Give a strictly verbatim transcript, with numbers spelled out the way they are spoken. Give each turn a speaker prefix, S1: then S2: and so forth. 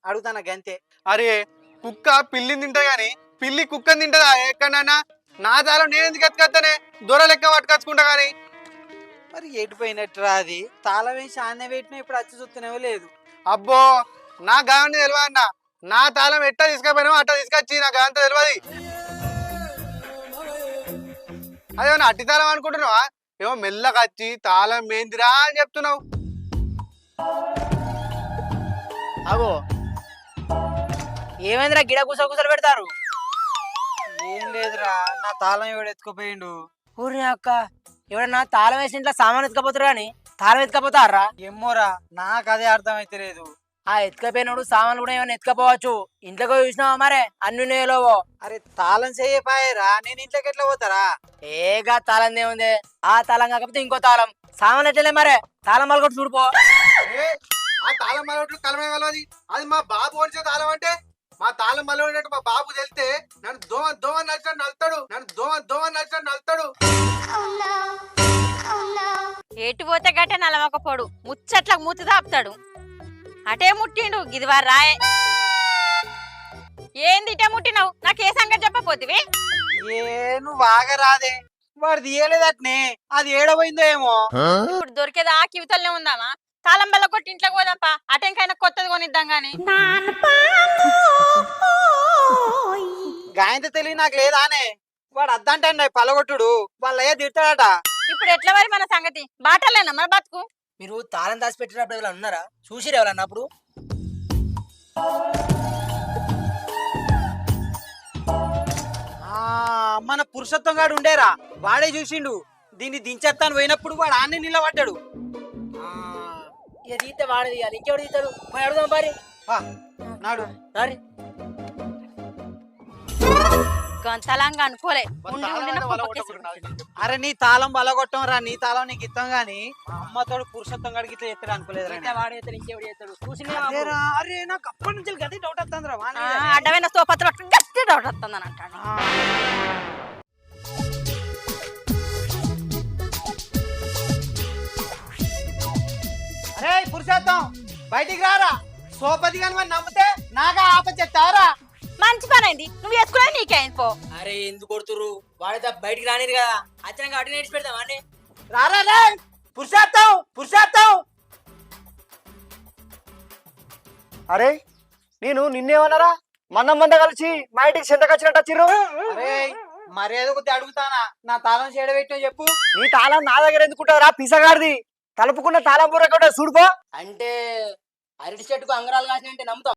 S1: అడుగుతానా గంతే.
S2: అరే కుక్క పిల్లిని తింటా గాని పిల్లి కుక్కని తింటదా ఎక్కడన్నా? నా తాళం నేను ఎందుకు ఎత్తుకొస్తానే? దొర లెక్క పట్టుకొచ్చుకుంటా గాని.
S1: మరి ఎటుపోయినట్టురా అది? తాళం వేసి ఆన్నే పెట్టినా ఇప్పుడు వచ్చి చూస్తూనేవో లేదు.
S2: అబ్బో నా గాని తెలియదు అన్న. నా తాళం ఎట్టా తీసుకపోయినావు అట్టా తీసుకొచ్చి నా గాంత తెలియదు. అదేమన్నా అట్టి తాళం అనుకుంటున్నావా? ఏమో మెల్లగా వచ్చి తాళం ఏందిరా అని చెప్తున్నావు.
S3: అగో ఏమైందిరా గిడ కూస కూసలు పెడతారు?
S1: ఏం లేదురా, నా తాళం ఎవడు ఎత్తుకుపోయిండు.
S3: ఊరి అక్క ఎవడన్నా తాళం వేసి ఇంట్లో సామాన్ ఎత్తుకపోతారు కానీ తాళం ఎత్తుకపోతారా?
S1: ఏమోరా, నాకు అదే అర్థం అయితే లేదు.
S3: ఆ ఎత్తుకపోయినప్పుడు సామాన్లు కూడా ఏమైనా ఎత్తుకపోవచ్చు. ఇంట్లోకి చూసినావా మరే అన్ని ఉన్నాయో?
S1: అరే తాళం చేయపాయరా, నేను ఇంట్లోకి ఎట్లా పోతారా?
S3: ఏగా తాళం ఏముంది? ఆ తాళం కాకపోతే ఇంకో తాళం సామాన్ ఎట్లలే మరే తాళం మళ్ళీ కూడా చూడుకో.
S2: ఆ తాళం మలవట్లు కలమే కలవది. అది మా బాబు ఓడిచే తాళం అంటే మా తాళం మలవడినట్టు మా బాబు తెలిస్తే నన్ను దోమ దోమ నచ్చినట్టు నలుతాడు. నన్ను దోమ దోమ నచ్చినట్టు నలుతాడు.
S4: ఎటు పోతే గట్టే నలవకపోడు, ముచ్చట్లకు మూతి దాపుతాడు. అటే ముట్టిండు గిదివారు రాయే. ఏంది ఇటే ముట్టినావు? నాకు ఏ సంగతి చెప్పపోతివి?
S1: ఏ నువ్వు ఆగరాదే, వాడు తీయలేదట్నే. అది ఏడబోయిందో ఏమో.
S4: ఇప్పుడు దొరికేది ఆ కివితల్నే ఉందామా? తాళం బల్ల కొట్టి ఇంట్లోకి పోదాంపా. అటెంకైనా కొత్తది కొనిద్దాం గాని.
S1: గాయంత తెలివి నాకు లేదానే. వాడు అద్దంటే పలగొట్టుడు వాళ్ళయ్య తిడతాడట.
S4: ఇప్పుడు ఎట్లా మరి మన సంగతి? బాటలేనా మన బతుకు?
S3: మీరు తాళం దాచి పెట్టినప్పుడు ఎవరైనా ఉన్నారా? చూసిరు ఎవరన్నా అప్పుడు?
S1: ఆ మన పురుషత్వం గాడు ఉండేరా, వాడే చూసిండు. దీన్ని దించేస్తాను పోయినప్పుడు వాడు ఆన్నే నిలబడ్డాడు.
S3: ఇక తీస్తే వాడు తీయాలి, ఇంకెవడు తీస్తాడు? మరి అడుగుదాం పారి.
S1: నాడు
S3: సారీ
S4: గంతలంగా అనుకోలే. ఉండి ఉండిన
S1: అరే నీ తాళం బలగొట్టం రా, నీ తాళం నీకు ఇస్తాం గాని అమ్మతోడు పురుషత్వం గడికి ఇట్లా ఎత్తాడు అనుకోలేదు.
S3: వాడు చేస్తాడు, ఇంకెవడు చేస్తాడు? చూసి
S1: అరే నాకు అప్పటి నుంచి గది డౌట్ వస్తుంది రా.
S4: అడ్డమైన సోపత్ర గట్టి డౌట్ వస్తుందని అంటాడు.
S1: అరే పురుషోత్తం బయటికి రారా. సోపతి కానీ మరి నమ్మితే నాగా ఆప చెప్తావరా?
S4: మంచి పని అయింది, నువ్వు వేసుకునే నీకేం పో.
S3: అరే ఎందుకు కొడుతురు? వాడితే బయటికి రానిది కదా, అచ్చనంగా అటు నేర్చి పెడతావా అండి?
S1: రారా రే పురుషోత్తం, పురుషోత్తం.
S5: అరే నేను నిన్నేమన్నారా? మంద మంద కలిసి మా ఇంటికి చెంతకొచ్చినట్టు వచ్చిర్రు.
S1: అరే మర్యాద కొద్ది అడుగుతానా, నా తాళం చేయడ పెట్టినా చెప్పు.
S5: నీ తాళం నా దగ్గర ఎందుకుంటారా? పిసగాడిది తలుపుకున్న తాళం బుర్ర కూడా చూడుకో.
S3: అంటే అరటి చెట్టుకు అంగరాలు కాసినంటే నమ్ముతాం.